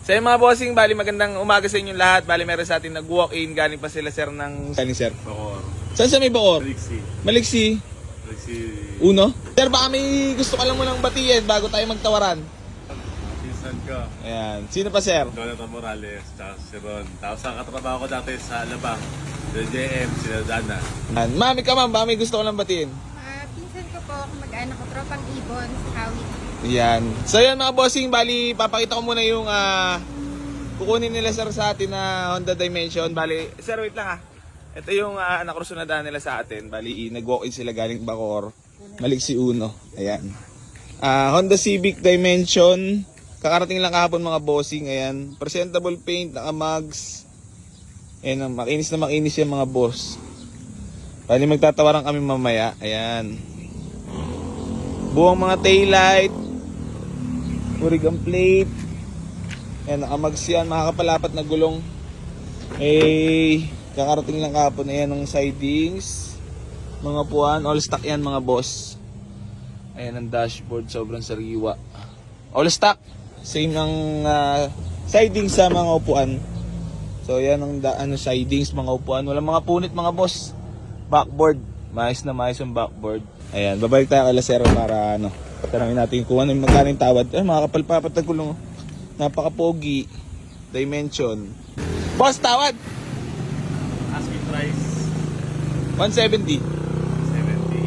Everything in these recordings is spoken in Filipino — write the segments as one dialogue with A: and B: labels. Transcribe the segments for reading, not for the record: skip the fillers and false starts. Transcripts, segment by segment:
A: So yung mga bossing, bali magandang umaga sa inyong lahat. Bali meron sa atin nag-walk-in. Galing pa sila sir ng... Galing sir?
B: Bacoor.
A: Saan sa may Bacoor?
B: Maliksi.
A: Maliksi?
B: Maliksi.
A: Uno? Sir, baka may gusto ka lang munang batiin bago tayo magtawaran.
B: Pinsan ko.
A: Ayan. Sino pa sir?
B: Jonathan Morales, tsaka si Ron. Tapos ang katrabaho ko dati sa Alabang. Sila JM, sila Dana.
A: Ayan. Mami ka ma'am, baka may gusto ka lang batiin.
C: Pinsan ko po, mag-anak ko, tropang ibon sa Kawit.
A: Yan. So yan mga bossing, bali papakita ko muna yung kukunin nila sir sa atin na Honda Dimension. Bali, sir wait lang Ito yung nakruso na daan nila sa atin. Bali, nag-walk-in sila galing Bacoor. Maliksi Uno. Ayan. Honda Civic Dimension. Kakarating lang kahapon mga bossing. Ayan. Presentable paint, naka-mags. Ayan, makinis na makinis yung mga boss. Bali, magtatawaran kami mamaya. Ayan. Buong mga taillight. Origang plate. Ayan, nakamags yan. Makakapalapat na gulong. Kakarating lang kahapon. Ayan, ng sidings. Mga puwan. All stock yan mga boss. Ayan, ang dashboard. Sobrang sariwa. All stock. Same ang sidings sa mga upuan. So, ayan ang sidings, mga upuan. Walang mga punit mga boss. Backboard. Maayos na maayos yung backboard. Ayan, babalik tayo kay Lasero para tanongin natin kung ano yung magkano yung tawad. Mga kapalpapat na gulong. Napaka-pogi. Dimension. Boss, tawad!
B: Asking price,
A: 170.
B: 70.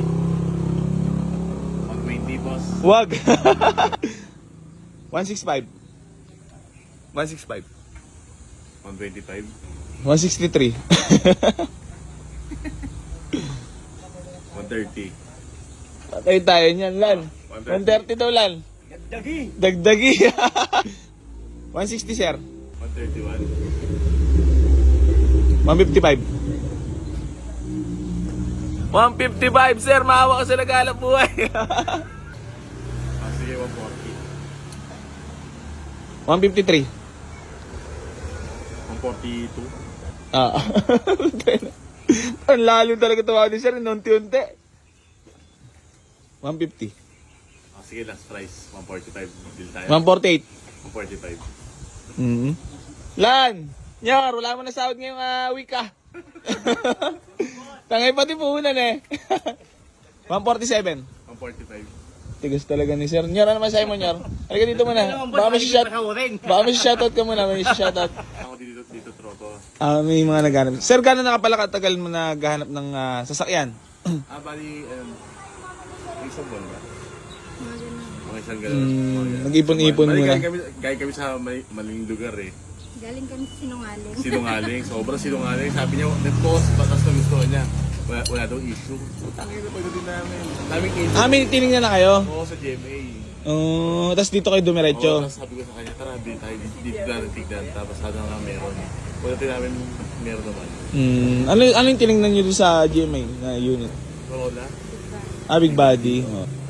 B: 120, boss.
A: Wag! 165. 165.
B: 125.
A: 163.
B: 130.
A: Patay tayo niyan, Lan. 130 daw, Lan.
B: Dagdagi.
A: Dagdagi. 160, sir.
B: 131.
A: 155. 155, sir. Maawa ka sa naghalap buhay.
B: Sige, 140.
A: 153.
B: 142.
A: Ang lalo talaga tawa ni sir. Unti-unti. 150.
B: Sige, last price, 145. Deal tayo.
A: 148.
B: 145.
A: Lan! Nyar, wala mo na sahod ngayong week Tangay pati puhunan 147.
B: 145.
A: Tigas talaga ni sir. Nyar, ano masahe mo, Nyar? Halika dito muna. Baka may shoutout ka muna. May shoutout.
B: Ako dito tropo.
A: May mga naghanap. Sir, gano'n na kapala katagal mo naghahanap ng sasakyan?
B: Bali, isang buwan ba? Mga isang
A: Nag-ipon-ipon muna.
B: Galing kami sa maling lugar
C: Galing kami sa Sinungaling.
B: Sinungaling, sobrang sinungaling. Sabi niya, net-post, batas na gusto niya. Wala daw issue. Putangin na pagdating namin. Daming issue.
A: May tinignan na kayo?
B: Oo, sa GMA.
A: Tapos dito kayo dumiretso?
B: Oo, tapos sabi ko sa kanya, tara, bili tayo dito na tignan. Tapos sana nga meron. Pagdating namin, meron naman.
A: Ano yung tinignan nyo doon sa GMA na unit?
B: Wala.
A: Big body.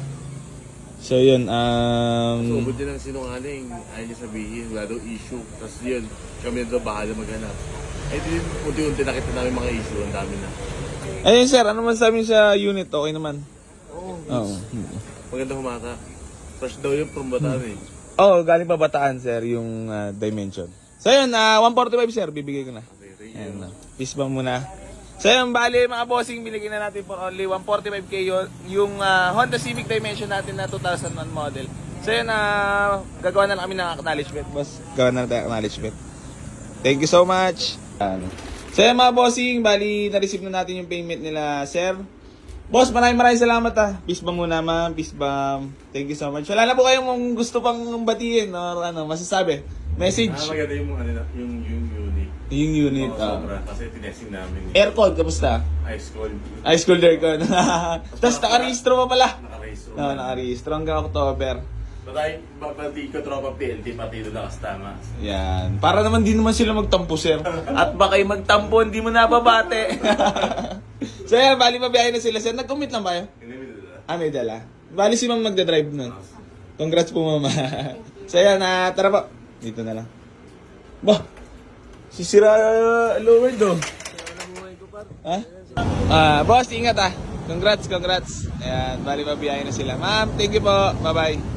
A: So yun,
B: So, ubod din ang sinungaling. Ayaw niya sabihin, wala daw issue. Tapos yun, kami na daw bahala maghanap. Din, unti-unti nakita namin mga issue, ang dami na.
A: Ayun sir, ano man sabi niyo sa unit? Okay naman?
B: Oo. Maganda humata. Fresh daw yun from Bataan
A: Galing pa Bataan sir, yung Dimension. So yun, 145 sir, bibigay ko na.
B: Okay,
A: Ayan na. Peace bomb muna. So yun, bali mga bossing, binigyan na natin for only 145k yung Honda Civic Dimension natin na 2001 model. So yun, gagawa na lang kami ng acknowledgement, boss. Gagawa na lang tayo acknowledgement. Thank you so much. So yun mga bossing, bali na-receive na natin yung payment nila, sir. Boss, maraming salamat Peace bomb muna ma'am, peace bomb. Thank you so much. Wala na po kayong gusto pang batiin or masasabi? Message?
B: Maganda yung unit.
A: Yung unit.
B: Sobra. Kasi tinesting namin.
A: Aircon, kamusta?
B: Ice cold.
A: Ice cold aircon. Tapos nakarehistro pa pala.
B: Naka-race room.
A: Nakarehistro hanggang October.
B: Pati ko tropa PLT, pati doon nakastama.
A: Yan. Para naman di naman sila magtampo, sir. At baka yung magtampo, hindi mo nababate. So yan, bali mabiyahe na sila, sir. Nag-commit lang ba kayo?
B: Hindi mo dala.
A: May dala. Bali si ma'am magdadrive nun. Congrats po, mama. So yan, tara po. Dito na lang. Bah! Sisira lower do. Boss, ingat Congrats. Ayan, bali mabiyahe na sila. Ma'am, thank you po. Bye-bye.